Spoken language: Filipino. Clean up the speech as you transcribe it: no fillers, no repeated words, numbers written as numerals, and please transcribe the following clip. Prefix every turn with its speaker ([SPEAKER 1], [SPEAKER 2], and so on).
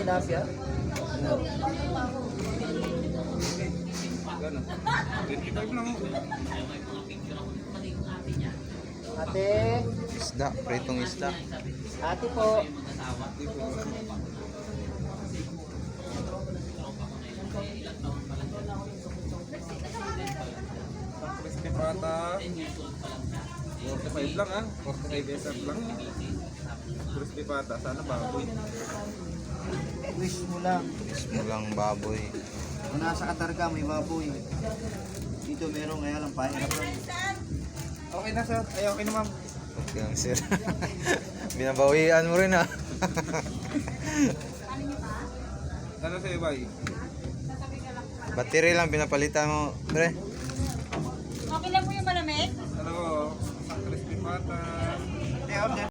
[SPEAKER 1] tilapia.
[SPEAKER 2] Gano'n. 25 lang.
[SPEAKER 1] Ate,
[SPEAKER 3] Isda, pritong isda.
[SPEAKER 1] ate po.
[SPEAKER 2] Crispy pata. 45 lang ah. 45 SF lang. Crispy pata. Sana baboy.
[SPEAKER 1] Wish mo lang.
[SPEAKER 3] Mismo lang baboy.
[SPEAKER 1] Kung nasa Qatar ka, may baboy. Dito meron, kaya lang pahirap lang.
[SPEAKER 2] Okay na sir. Ay okay na ma'am.
[SPEAKER 3] Okay lang sir. Binabawian mo rin ah.
[SPEAKER 2] Ano sa'yo bay?
[SPEAKER 3] Battery lang pinapalitan mo, pre.
[SPEAKER 4] Okay lang po yung malamig?
[SPEAKER 2] Ano ko? Crispy pata.
[SPEAKER 1] Order